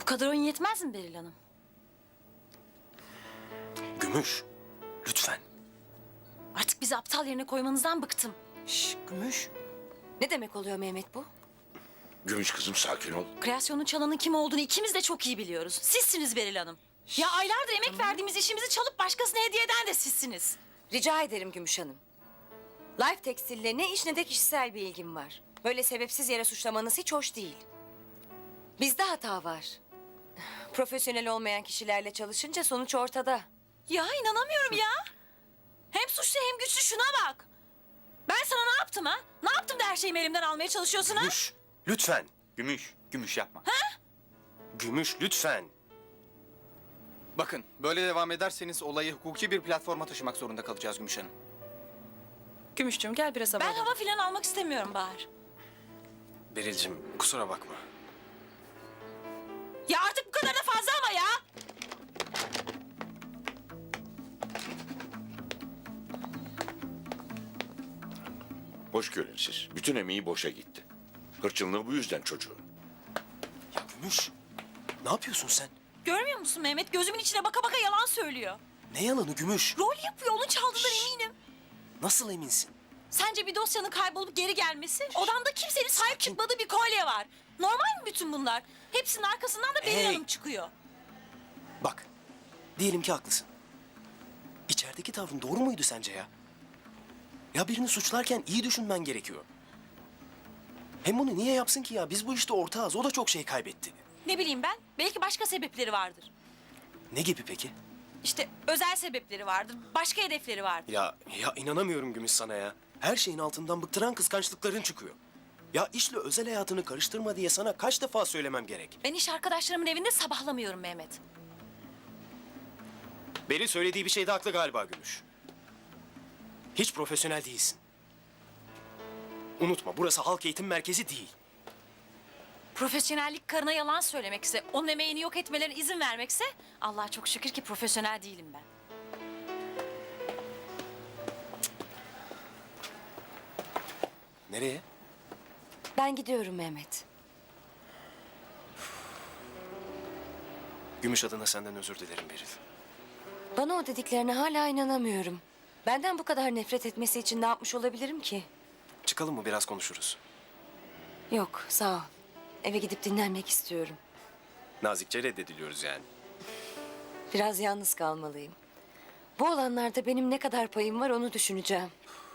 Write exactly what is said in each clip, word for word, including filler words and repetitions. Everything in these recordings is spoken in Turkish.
Bu kadar oyun yetmez mi Beril Hanım? Gümüş, lütfen. Artık bizi aptal yerine koymanızdan bıktım. Şş, Gümüş. Ne demek oluyor Mehmet bu? Gümüş kızım sakin ol. Kreasyonun çalanın kim olduğunu ikimiz de çok iyi biliyoruz. Sizsiniz Beril Hanım. Ya aylardır emek verdiğimiz işimizi çalıp başkasına hediye eden de sizsiniz. Rica ederim Gümüş Hanım. Life Tekstil'le ne iş ne de kişisel bir ilgim var. Böyle sebepsiz yere suçlamanız hiç hoş değil. Bizde hata var. Profesyonel olmayan kişilerle çalışınca sonuç ortada. Ya inanamıyorum ya. Hem suçlu hem güçlü, şuna bak. Ben sana ne yaptım ha? Ne yaptım da her şeyimi elimden almaya çalışıyorsun ha? Gümüş, lütfen. Gümüş, gümüş yapma. Gümüş, lütfen. Bakın, böyle devam ederseniz olayı hukuki bir platforma taşımak zorunda kalacağız Gümüş Hanım. Gümüşcüğüm gel biraz hava Ben alalım. hava filan almak istemiyorum Bahar. Beril'cim, kusura bakma. Ya artık bu kadar da fazla ama ya. Hoş görün siz. Bütün emeği boşa gitti. Hırçınlığı bu yüzden çocuğun. Ya Gümüş, ne yapıyorsun sen? Görmüyor musun Mehmet? Gözümün içine baka baka yalan söylüyor. Ne yalanı Gümüş? Rol yapıyor, onu çaldığından eminim. Nasıl eminsin? Sence bir dosyanın kaybolup geri gelmesi? Odamda kimsenin sahip çıkmadığı bir kolye var. Normal mi bütün bunlar? Hepsinin arkasından da Beril Hey! Hanım çıkıyor. Bak, diyelim ki haklısın. İçerideki tavrın doğru muydu sence ya? Ya birini suçlarken iyi düşünmen gerekiyor. Hem bunu niye yapsın ki ya? Biz bu işte ortağız. O da çok şey kaybetti. Ne bileyim ben, belki başka sebepleri vardır. Ne gibi peki? İşte özel sebepleri vardır, başka hedefleri vardır. Ya ya inanamıyorum Gümüş sana ya. Her şeyin altından bıktıran kıskançlıkların çıkıyor. Ya işle özel hayatını karıştırma diye sana kaç defa söylemem gerek. Ben iş arkadaşlarımın evinde sabahlamıyorum Mehmet. Beril söylediği bir şeyde haklı galiba Gümüş. Hiç profesyonel değilsin. Unutma, burası halk eğitim merkezi değil. Profesyonellik karına yalan söylemekse, onun emeğini yok etmelerine izin vermekse... ...Allah'a çok şükür ki profesyonel değilim ben. Nereye? Ben gidiyorum Mehmet. Gümüş adına senden özür dilerim Beril. Bana o dediklerine hala inanamıyorum. Benden bu kadar nefret etmesi için ne yapmış olabilirim ki? Çıkalım mı biraz konuşuruz. Yok, sağ ol. Eve gidip dinlenmek istiyorum. Nazikçe reddediliyoruz yani. Biraz yalnız kalmalıyım. Bu olanlarda benim ne kadar payım var onu düşüneceğim.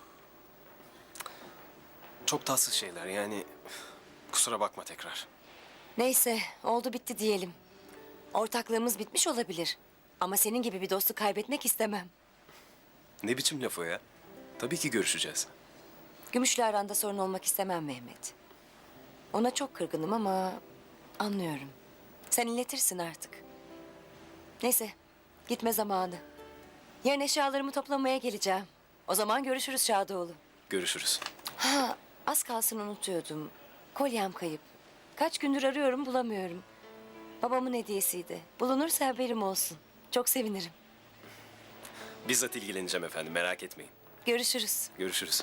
Çok tatsız şeyler yani. Kusura bakma tekrar. Neyse, oldu bitti diyelim. Ortaklığımız bitmiş olabilir. Ama senin gibi bir dostu kaybetmek istemem. Ne biçim laf o ya? Tabii ki görüşeceğiz. Gümüş'le aranda sorun olmak istemem Mehmet. Ona çok kırgınım ama anlıyorum. Sen iletirsin artık. Neyse, gitme zamanı. Yarın eşyalarımı toplamaya geleceğim. O zaman görüşürüz Şadoğlu. Görüşürüz. Ha, az kalsın unutuyordum. Kolyem kayıp. Kaç gündür arıyorum bulamıyorum. Babamın hediyesiydi. Bulunursa haberim olsun. Çok sevinirim. Bizzat ilgileneceğim efendim, merak etmeyin. Görüşürüz. Görüşürüz.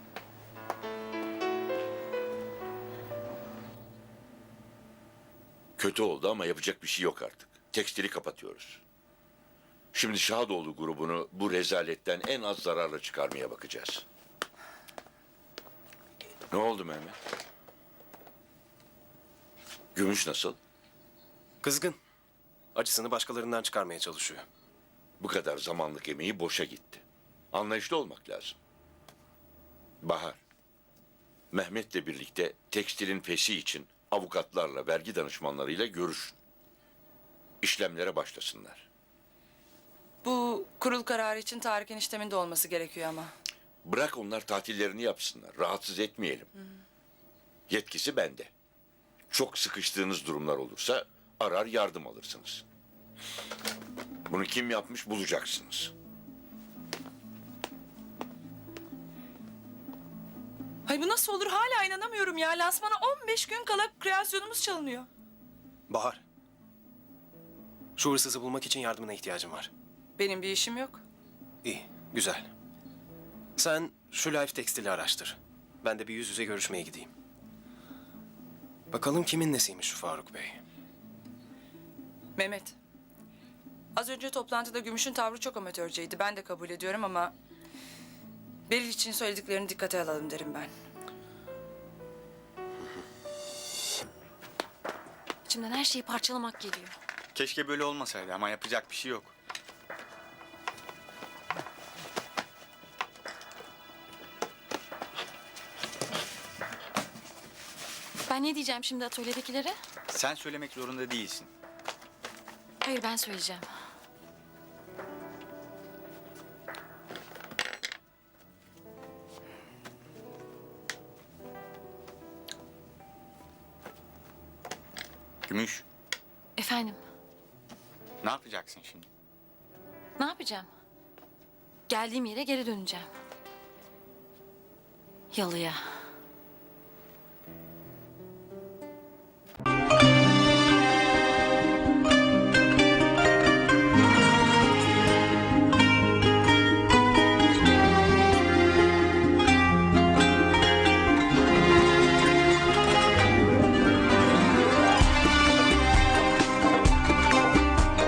Kötü oldu ama yapacak bir şey yok artık. Tekstili kapatıyoruz. Şimdi Şadoğlu grubunu bu rezaletten en az zararla çıkarmaya bakacağız. Ne oldu Mehmet? Gümüş nasıl? Kızgın. Acısını başkalarından çıkarmaya çalışıyor. Bu kadar zamanlık emeği boşa gitti. Anlayışlı olmak lazım. Bahar, Mehmet'le birlikte tekstilin feshi için avukatlarla, vergi danışmanlarıyla görüşün. İşlemlere başlasınlar. Bu kurul kararı için Tarık eniştemin de olması gerekiyor ama. Bırak onlar tatillerini yapsınlar. Rahatsız etmeyelim. Yetkisi bende. Çok sıkıştığınız durumlar olursa arar yardım alırsınız. Bunu kim yapmış bulacaksınız. Hay bu nasıl olur hala inanamıyorum ya. Lansmana on beş gün kala kreasyonumuz çalınıyor. Bahar. Şu hırsızı bulmak için yardımına ihtiyacım var. Benim bir işim yok. İyi, güzel. Sen şu Life Tekstil'i araştır. Ben de bir yüz yüze görüşmeye gideyim. Bakalım kimin nesiymiş şu Faruk Bey. Mehmet. Az önce toplantıda Gümüş'ün tavrı çok amatörceydi. Ben de kabul ediyorum ama... Beril için söylediklerini dikkate alalım derim ben. İçimden her şeyi parçalamak geliyor. Keşke böyle olmasaydı ama yapacak bir şey yok. Ben ne diyeceğim şimdi atölyedekilere? Sen söylemek zorunda değilsin. Hayır, ben söyleyeceğim. Gümüş, Efendim, ne yapacaksın şimdi? ne yapacağım? Geldiğim yere geri döneceğim. Yalıya.